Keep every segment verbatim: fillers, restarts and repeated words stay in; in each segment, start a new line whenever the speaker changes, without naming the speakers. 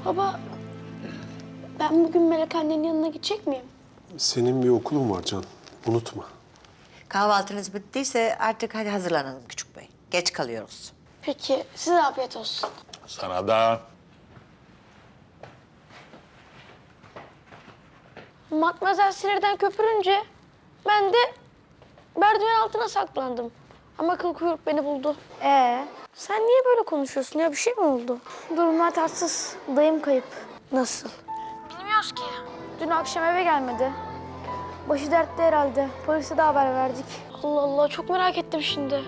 Baba, ben bugün Melek annenin yanına gidecek miyim?
Senin bir okulun var Can. Unutma.
Kahvaltınız bittiyse artık hadi hazırlanalım küçük bey. Geç kalıyoruz.
Peki, size afiyet olsun.
Sana da.
Matmazel sinirden köpürünce ben de merdiven altına saklandım. Ama kıl kuyruk beni buldu. Ee, sen niye böyle konuşuyorsun ya? Bir şey mi oldu? Durumlar tatsız. Dayım kayıp. Nasıl? Bilmiyoruz ki. Dün akşam eve gelmedi. Başı dertte herhalde. Polise de haber verdik. Allah Allah, çok merak ettim şimdi.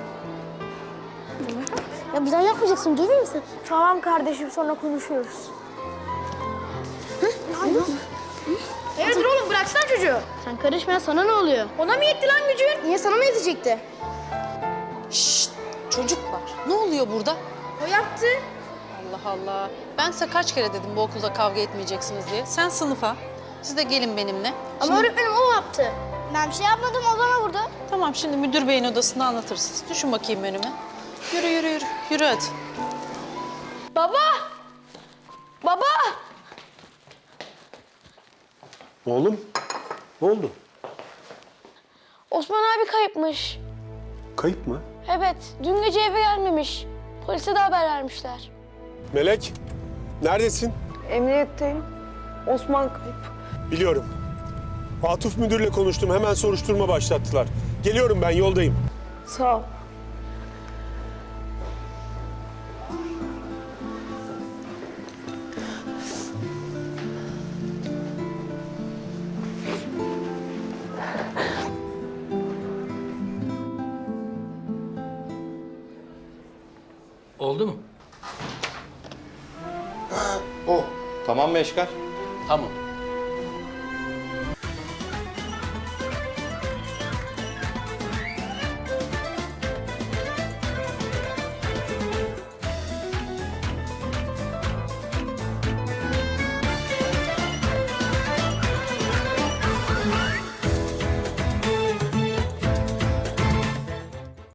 Ya bizden yapmayacaksın, duymuyor musun?
Tamam kardeşim, sonra konuşuyoruz.
Hayırdır oğlum, bıraksana çocuğu. Sen karışma, sana ne oluyor? Ona mı yetti lan gücün? Niye, sana mı yetecekti?
Şşt, çocuklar. Ne oluyor burada?
O yaptı.
Allah Allah. Ben size kaç kere dedim bu okulda kavga etmeyeceksiniz diye. Sen sınıfa, siz de gelin benimle.
Ama
Şimdi-
öğretmenim o yaptı. Ben bir şey yapmadım, o bana vurdu.
Tamam, şimdi müdür beyin odasında anlatırsınız. Düşün bakayım önüme. Yürü, yürü, yürü. Yürü hadi.
Baba! Baba!
Oğlum, ne oldu?
Osman abi kayıpmış.
Kayıp mı?
Evet, dün gece eve gelmemiş. Polise de haber vermişler.
Melek, neredesin?
Emniyetteyim. Osman kayıp.
Biliyorum. Atuf müdürle konuştum. Hemen soruşturma başlattılar. Geliyorum ben, yoldayım.
Sağ ol.
Oldu mu?
O. Tamam mı Eşkar?
Tamam.